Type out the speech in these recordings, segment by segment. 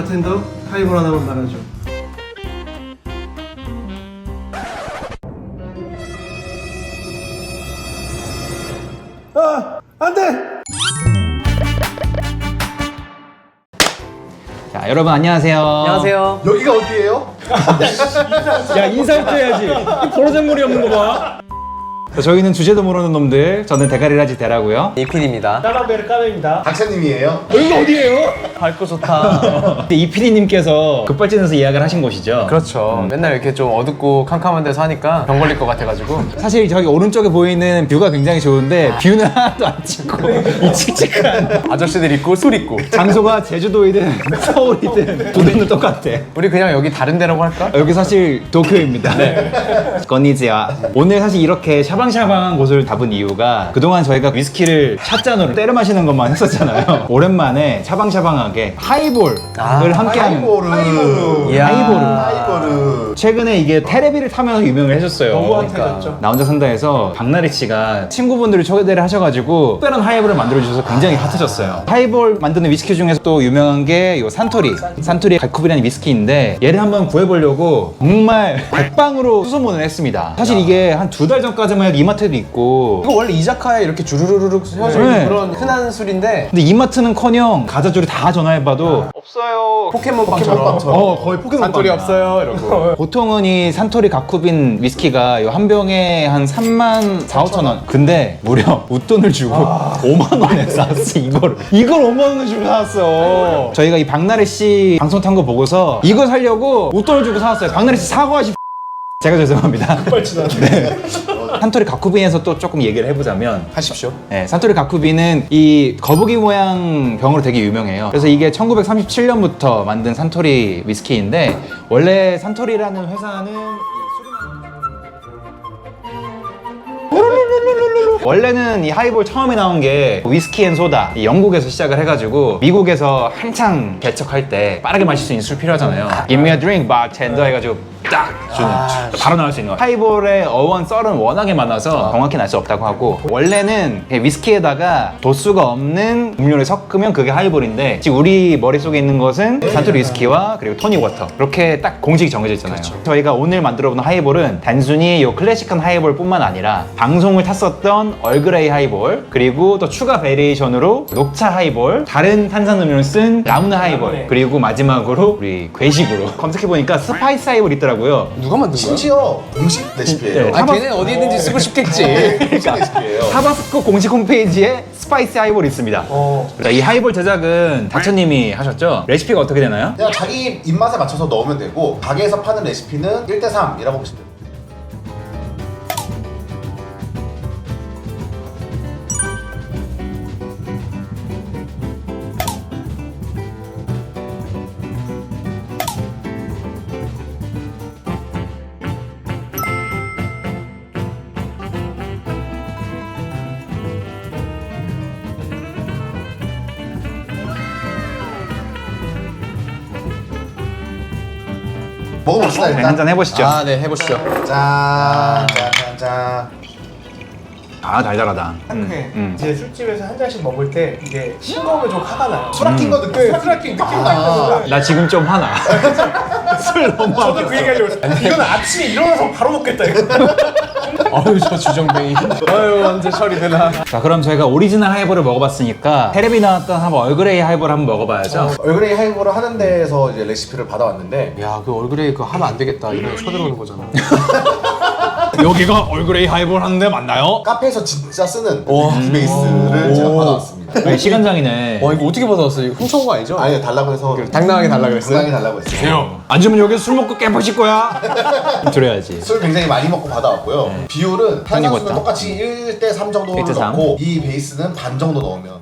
바텐더 하이볼 하나만 말아줘. 아, 안 돼! 자, 여러분 안녕하세요. 안녕하세요. 여기가 어디예요? 야, 인사부터 해야지. 버르장머리 없는 거 봐. 저희는 주제도 모르는 놈들. 저는 대가리라지 대라고요. 이필입니다. 까만베르 까메입니다. 박사님이에요? 여기가 어디예요? 밝고 좋다. 이 PD님께서 급발진해서 예약을 하신 곳이죠. 그렇죠. 맨날 이렇게 좀 어둡고 캄캄한 데서 하니까 병 걸릴 것 같아가지고. 사실 저기 오른쪽에 보이는 뷰가 굉장히 좋은데 뷰는 하나도 안 찍고 이 칙칙한 아저씨들 있고 술 있고. 장소가 제주도이든 서울이든 두 데는 똑같아. 우리 그냥 여기 다른 데라고 할까? 여기 사실 도쿄입니다. 건니지와. 오늘 사실 이렇게 샤방샤방한 곳을 잡은 이유가 그동안 저희가 위스키를 샷잔으로 때려 마시는 것만 했었잖아요. 오랜만에 샤방샤방하게 하이볼을 함께하는 하이보르. 이야. 하이보르. 최근에 이게 테레비를 타면서 유명을 해줬어요. 너무 핫해졌죠. 나 혼자 산다에서 박나래 씨가 친구분들이 초대를 하셔가지고 특별한 하이볼을 만들어주셔서 굉장히 핫해졌어요. 하이볼 만드는 위스키 중에서 또 유명한 게 이 산토리 갈쿠비라는 위스키인데 얘를 한번 구해보려고 정말 백방으로 수소문을 했습니다. 사실 이게 한 2달 전까지만 해도 이마트에도 있고 이거 원래 이자카야에 이렇게 주르르륵 세워져 네. 있는 그런 흔한 술인데 근데 이마트는커녕 가자줄이 다 전화해봐도 없어요. 포켓몬빵처럼. 거의 포켓몬 산토리 없어요 이러고. 보통은 이 산토리 가쿠빈 위스키가 이 한 병에 한 3만 4, 5천 원. 근데 무려 웃돈을 주고 5만 원에 샀어 이거를. 이걸 5만 원을 주고 사왔어. 저희가 이 박나래 씨 방송 탄 거 보고서 이거 사려고 웃돈을 주고 사왔어요. 박나래 씨 사과하시. 제가 죄송합니다. 네. 산토리 가쿠빈에서 또 조금 얘기를 해보자면 하십시오. 네, 산토리 가쿠비는 이 거북이 모양 병으로 되게 유명해요. 그래서 이게 1937년부터 만든 산토리 위스키인데 원래 산토리라는 회사는 원래는 이 하이볼 처음에 나온 게 위스키 앤 소다 이 영국에서 시작을 해가지고 미국에서 한창 개척할 때 빠르게 마실 수 있는 술 필요하잖아요. Give me a drink, bartender 해가지고 딱 주는 바로 나올 수 있는 거. 하이볼의 어원 썰은 워낙에 많아서 정확히는 알 수 없다고 하고 원래는 위스키에다가 도수가 없는 음료를 섞으면 그게 하이볼인데 지금 우리 머릿속에 있는 것은 산토리 위스키와 그리고 토닉 워터 이렇게 딱 공식이 정해져 있잖아요. 저희가 오늘 만들어본 하이볼은 단순히 이 클래식한 하이볼 뿐만 아니라 방송을 탔었던 얼그레이 하이볼 그리고 또 추가 베리에이션으로 녹차 하이볼 다른 탄산음료를 쓴 라무네 하이볼 그리고 마지막으로 우리 괴식으로 검색해보니까 스파이스 하이볼 있더라고요. 누가 만든 거야? 심지어 공식 레시피예요. 네. 아 걔는 어디 있는지 쓰고 싶겠지. 공식 레시피예요. 타바스코 공식 홈페이지에 스파이스 하이볼이 있습니다. 자, 이 하이볼 제작은 닥터님이 하셨죠? 레시피가 어떻게 되나요? 그냥 자기 입맛에 맞춰서 넣으면 되고 가게에서 파는 레시피는 1대3이라고 보시면 돼요. 먹어봅시다 네, 일단. 한잔 해보시죠. 아 네 해보시죠. 짠, 짠, 짠. 아, 달달하다. 상쾌해. 이제 술집에서 한 잔씩 먹을 때 이게 싱거우면 좀 화가 나요. 술 아낀 거 느껴요. 술 아낀 느낌 나요. 나 지금 좀 화나. 술 너무 저도 그 얘기하려고 했어요. 이건 아침에 일어나서 바로 먹겠다 이거. 아유 저 주정뱅이. 아유 언제 처리 되나. 자, 그럼 저희가 오리지널 하이볼을 먹어봤으니까 테레비 나왔던 한번 얼그레이 하이볼 한번 먹어봐야죠. 얼그레이 하이볼을 하는 데에서 이제 레시피를 받아왔는데 야 그 얼굴에 그거 하면 안 되겠다. 이거 쳐들어오는 거잖아. 여기가 얼그레이 하이볼 하는데 맞나요? 카페에서 진짜 쓰는 이 베이스를 제가 받아왔습니다. 네, 시간장이네. 와 이거 어떻게 받아왔어? 이거 훔쳐온 거 아니죠? 아니 달라고 해서 당당하게 달라 그랬어요? 당당히 달라고 했어요. 안 주면 여기서 술 먹고 깨부실 거야. 들어야지. 술 굉장히 많이 먹고 받아왔고요. 비율은 탄산수는 워터. 똑같이 1대3 정도를 1대3. 넣고 이 베이스는 반 정도 넣으면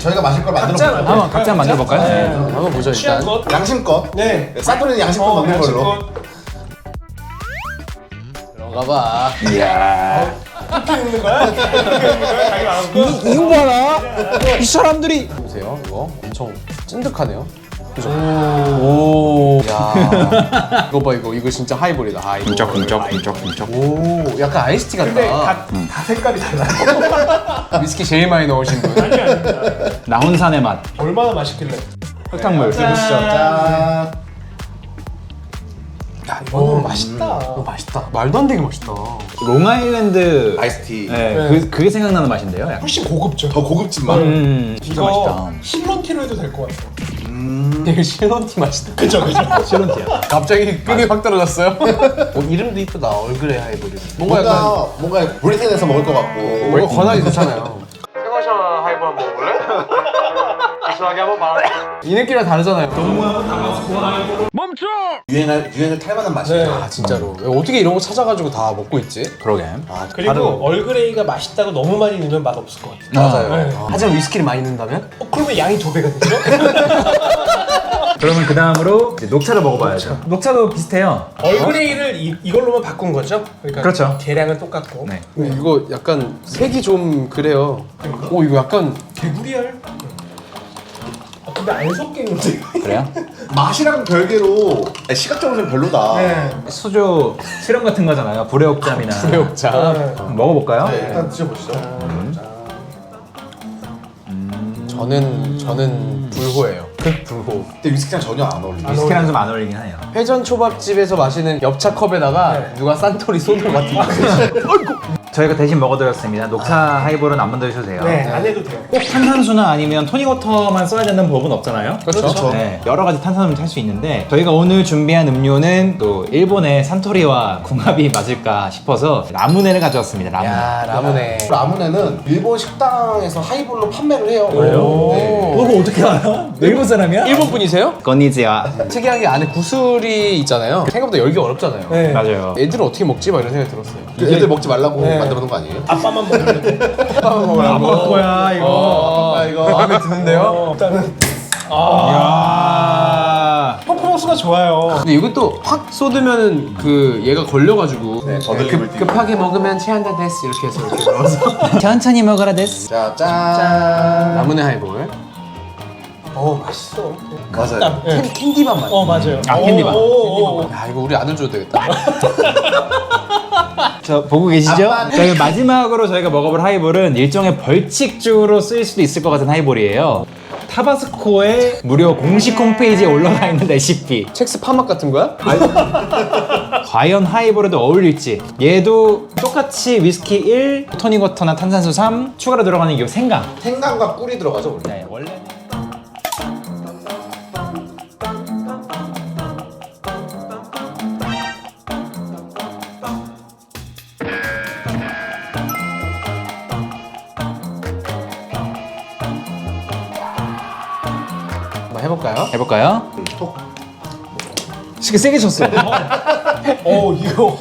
저희가 마실 걸 만들어 각자 볼까요? 한번 각자 만들어 볼까요? 네. 한번 보죠 일단. 취향껏. 양심껏. 네. 산토리는 양심껏 먹는 걸로. 양심껏. 들어가봐. 이야. 이렇게 먹는 거야? 자기 마음껏. 이거 봐라. 이 사람들이 보세요 이거 엄청 찐득하네요. 그죠? 오. 야. 이거 봐 이거 진짜 하이볼이다. 하이볼. 쿵쩍쿵쩍. 오. 약간 아이스티 같다. 근데 다 색깔이 달라요. 위스키 제일 많이 넣으신 분. 아니 아닙니다. 나훈산의 맛. 얼마나 맛있길래. 흙탕물. 짠. 짠. 야 오, 이거는 맛있다. 이거 맛있다. 말도 안 되게 맛있다. 롱아일랜드 아이스티. 네, 네. 그게 생각나는 맛인데요. 약간. 훨씬 고급져. 더 고급진 맛. 진짜 이거 맛있다. 실론티로 해도 될 것 같아. 되게 실론티 맛이다. 그죠 그죠. 실론티야. 갑자기 급이 확 떨어졌어요. 이름도 이쁘다. 얼그레이 하이볼이. 뭔가 약간 뭔가 브리튼에서 먹을 것 같고. 뭔가 권하기 좋잖아요. 생화샤 하이볼 한번 먹을래? 시원하게 한번 말아. 이 느낌이랑 다르잖아요. 유행을 탈 만한 맛이에요. 네. 아 진짜로. 어떻게 이런 거 찾아가지고 다 먹고 있지? 그러게. 그리고 얼그레이가 맛있다고 너무 많이 넣으면 맛 없을 것 같아. 맞아요. 네. 하지만 위스키를 많이 넣는다면? 그러면 양이 2배가 되죠? 그러면 그 다음으로 녹차를 먹어봐야죠. 녹차도 비슷해요. 얼그레이를 이걸로만 바꾼 거죠? 그러니까 그렇죠. 계량은 똑같고. 네. 이거 약간 색이 좀 그래요. 오 이거 약간 개구리알. 근데 안 섞이는데. 그래요? 맛이랑 별개로 시각적으로 좀 별로다. 네. 수조 실험 같은 거잖아요. 불의옥잠이나. 불의옥자. 네. 먹어볼까요? 네, 일단 드셔보시죠. 저는 불호예요. 극불호. 근데 위스키랑 전혀 안 어울리네. 위스키랑 좀 안 어울리긴 해요. 회전 초밥집에서 마시는 엽차 컵에다가 네. 누가 산토리 소주 같은 거. 저희가 대신 먹어드렸습니다. 녹차 하이볼은 안 만드셔도 돼요. 네, 안 해도 돼요. 꼭 탄산수나 아니면 토닉워터만 써야 되는 법은 없잖아요. 그렇죠. 네, 여러 가지 탄산음료 탈 수 있는데 저희가 오늘 준비한 음료는 또 일본의 산토리와 궁합이 맞을까 싶어서 라무네를 가져왔습니다. 라무네. 야 라무네. 라무네는 일본 식당에서 하이볼로 판매를 해요. 그래요? 네. 그거 어떻게 알아? 일본 사람이야? 일본 분이세요? 건니지와. 특이한 게 안에 구슬이 있잖아요. 생각보다 열기 어렵잖아요. 네. 맞아요. 애들은 어떻게 먹지? 막 이런 생각이 들었어요. 애들 먹지 말라고 네. 만들어 놓은 거 아니에요? 아빠만 먹으면 돼. 거야 이거. 아빠 이거 마음에 드는데요? 일단은 야. 퍼포먼스가 좋아요. 근데 이것도 확 쏟으면은 그 얘가 걸려가지고 급하게 먹으면 체한다 데스 이렇게 해서 이렇게 넣어서 천천히 먹어라 데스. 자, 짠. 라무네 하이볼. 맛있어. 맞아요. 네. 캔디밥 맛. 맞아요. 아, 캔디바. 야 이거 우리 아들 줘도 되겠다. 저 보고 계시죠? 저희 마지막으로 저희가 먹어볼 하이볼은 일종의 벌칙주로 쓰일 수도 있을 것 같은 하이볼이에요. 타바스코의 무료 공식 홈페이지에 올라가 있는 레시피. 첵스 파맛 같은 거야? 과연 하이볼에도 어울릴지. 얘도 똑같이 위스키 1, 토닉워터나 탄산수 3, 추가로 들어가는 게 생강. 생강과 꿀이 들어가죠, 원래. 네, 원래 한번 해볼까요? 해볼까요? 세게 쳤어. 이거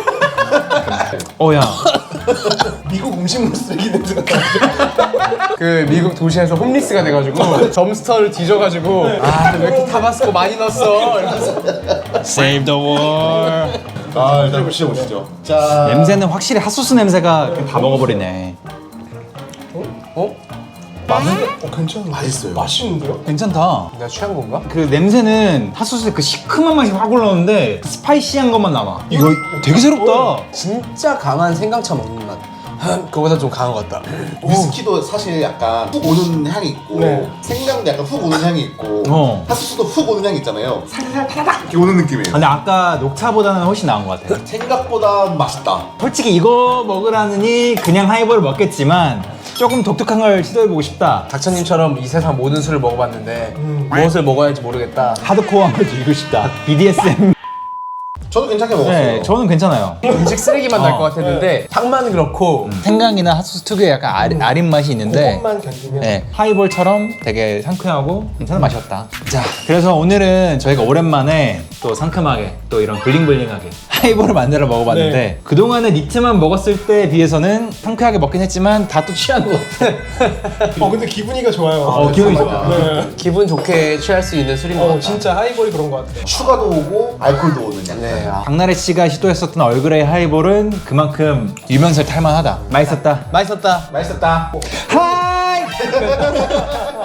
야. 미국 음식물 쓰레기 냄새가 나죠. 그 미국 도시에서 홈리스가 돼가지고 점스터를 뒤져가지고 아 왜 이렇게 타바스코 많이 넣었어? 이러면서 Save the war. 아, 일단 드셔보시죠. 짠. 냄새는 확실히 핫소스 냄새가 다 먹어버리네. 어? 괜찮은데? 맛있어요. 맛있는데요? 괜찮다. 내가 취한 건가? 그 냄새는 핫소스의 그 시큼한 맛이 확 올라오는데 스파이시한 것만 남아. 이거 되게 새롭다. 진짜 강한 생강차 먹는 맛. 그거보다 좀 강한 것 같다. 위스키도 사실 약간 훅 오는 향이 있고 네. 생강도 약간 훅 오는 향이 있고 핫소스도 훅 오는 향이 있잖아요. 살살 타닥 이렇게 오는 느낌이에요. 근데 아까 녹차보다는 훨씬 나은 것 같아. 생각보다 맛있다. 솔직히 이거 먹으라느니 그냥 하이볼을 먹겠지만 조금 독특한 걸 시도해보고 싶다. 닥터님처럼 이 세상 모든 술을 먹어봤는데 무엇을 먹어야 할지 모르겠다. 하드코어한 걸 즐기고 싶다. BDSM. 저도 괜찮게 먹었어요. 네, 저는 괜찮아요. 음식 쓰레기만 날 것 같았는데 향만 그렇고 생강이나 핫소스 특유의 약간 아린 맛이 있는데 그것만 견디면 네, 하이볼처럼 되게 상쾌하고 괜찮은 맛이었다. 자, 그래서 오늘은 저희가 오랜만에 또 상큼하게 또 이런 블링블링하게 하이볼을 만들어 먹어봤는데 네. 그동안에 니트만 먹었을 때에 비해서는 상쾌하게 먹긴 했지만 다 또 취한 것 같아. 근데 기분이가 좋아요. 기분이 좋아. 네. 기분 좋게 취할 수 있는 술인 것 같아. 진짜 하이볼이 그런 것 같아요. 슈가도 오고 알코올도 오는 약간. 네. 박나래 씨가 시도했었던 얼그레이 하이볼은 그만큼 유명세를 탈만하다. 맛있었다. 맛있었다. 맛있었다. 하이!